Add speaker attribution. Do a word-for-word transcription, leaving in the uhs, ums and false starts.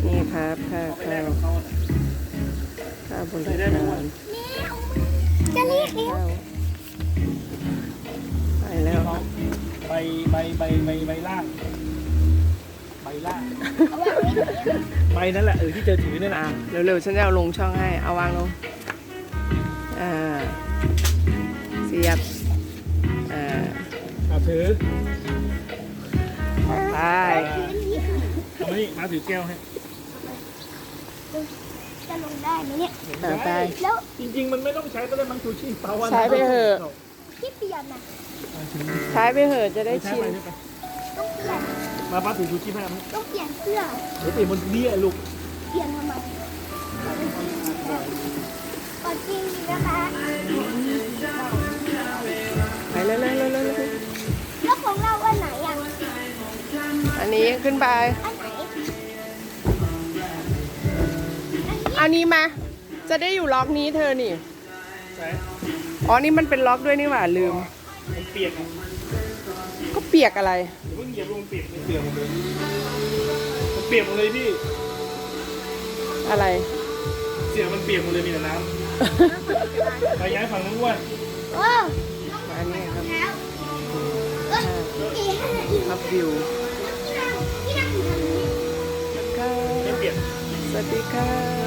Speaker 1: นี่ครับข้าวข้าวข้าวบนสะพาน
Speaker 2: จะเรียกเร็ว
Speaker 1: ไปแล้ว
Speaker 3: ใบใบใบใบใบล่างใบล่างใบนั่นแหละเออที่เจอถือนั่นแหละ
Speaker 1: อ่ะเร็วๆฉันจะเอาลงช่องให้เอาวางลงอ่าเสียบอ่า
Speaker 3: เอาถือ
Speaker 1: ไป
Speaker 3: เอามานี่มาถือแก้วให้
Speaker 2: จะลงได้ไหมเนี่ย
Speaker 1: อ่าไป
Speaker 2: แล้ว
Speaker 3: จริงๆมันไม่ต้องใช้ก็ได้มังชูชีพเปล่าวัน
Speaker 1: ใช้ไปเถอะ
Speaker 2: ที่เปลี่ยนนะ
Speaker 1: ใช้ไปเถอะจะได้ชิน
Speaker 2: ต้องเปลี่ยน
Speaker 3: มาป้าถือชูชีพให้ไหม
Speaker 2: ต้องเปลี่ยนเสื้อ
Speaker 3: เดี๋ยวเปลี่ยนบนนี้ลูก
Speaker 2: เปลี่ยนทำไมก่อนจริงนะคะ
Speaker 1: ไปเร็วๆเร็วๆเร็ว
Speaker 2: แล้วของเราอันไหนอ่ะ
Speaker 1: ๆอันนี้ขึ้นไป
Speaker 2: อันไหน
Speaker 1: เอานี้มา จะได้อยู่ล็อกนี้เธอนี่
Speaker 3: ใช่
Speaker 1: อ๋อ นี่มันเป็นล็อกด้วยนี่หว่าลืม
Speaker 3: มันเปียกอ่ะ
Speaker 1: ก็เปียกอะไร
Speaker 3: เดี๋ยวเพิ่งเหยียบลงเปียกเปียกหมดเลยมันเปียกหมดเลยพี่
Speaker 1: อะไร
Speaker 3: เสียงมันเปียกหมดเลยมีแต่น้ำไปย้ายฝั่งนู้นว่า
Speaker 2: โอ้
Speaker 1: มาอันนี้ครับ
Speaker 2: แล้วเอ้ยอีห้าอี
Speaker 1: ครับวิว
Speaker 2: ที่นั่งที่นั่งอยู่ทางนี้
Speaker 1: ค่ะ
Speaker 3: ไม่เปียก
Speaker 1: สวัสดีค่ะ